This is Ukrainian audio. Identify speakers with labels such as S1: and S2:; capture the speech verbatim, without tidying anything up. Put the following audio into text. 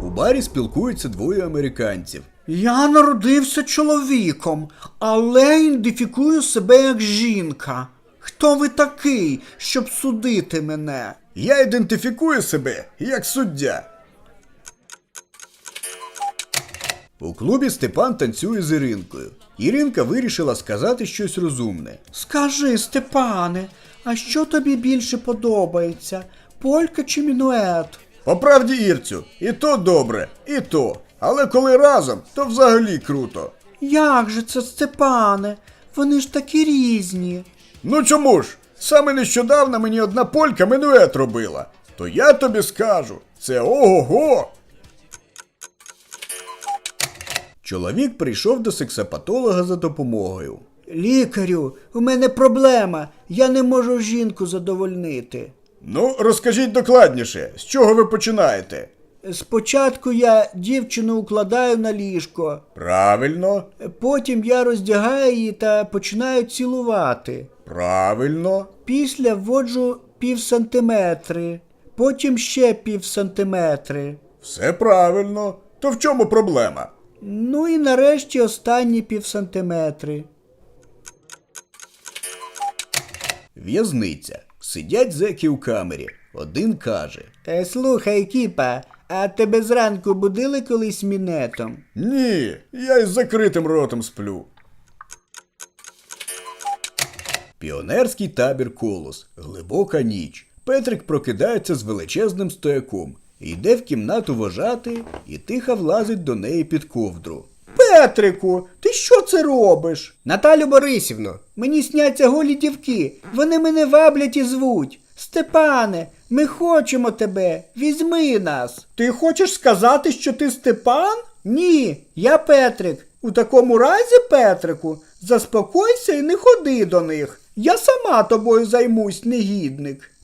S1: У барі спілкуються двоє американців.
S2: Я народився чоловіком, але ідентифікую себе як жінка. Хто ви такий, щоб судити мене?
S1: Я ідентифікую себе як суддя. У клубі Степан танцює з Іринкою. Іринка вирішила сказати щось розумне.
S2: Скажи, Степане, а що тобі більше подобається? Полька чи мінует?
S1: По правді, Ірцю, і то добре, і то. Але коли разом, то взагалі круто.
S2: Як же це, Степане? Вони ж такі різні.
S1: Ну чому ж? Саме нещодавно мені одна полька мінует робила. То я тобі скажу, це ого-го! Чоловік прийшов до сексопатолога за допомогою.
S2: Лікарю, у мене проблема. Я не можу жінку задовольнити.
S1: Ну, розкажіть докладніше, з чого ви починаєте?
S2: Спочатку я дівчину укладаю на ліжко.
S1: Правильно.
S2: Потім я роздягаю її та починаю цілувати.
S1: Правильно.
S2: Після вводжу пів сантиметри. Потім ще пів сантиметри.
S1: Все правильно. То в чому проблема?
S2: Ну і нарешті останні пів сантиметри.
S1: В'язниця. Сидять зеки у камері. Один каже.
S2: Е, слухай, кіпа, а тебе зранку будили колись мінетом?
S1: Ні, я із закритим ротом сплю. Піонерський табір «Колос». Глибока ніч. Петрик прокидається з величезним стояком. Йде в кімнату вожати і тихо влазить до неї під ковдру.
S2: Петрику, ти що це робиш? Наталю Борисівно, мені сняться голі дівки. Вони мене ваблять і звуть. Степане, ми хочемо тебе. Візьми нас. Ти хочеш сказати, що ти Степан? Ні, я Петрик. У такому разі, Петрику, заспокойся і не ходи до них. Я сама тобою займусь, негідник.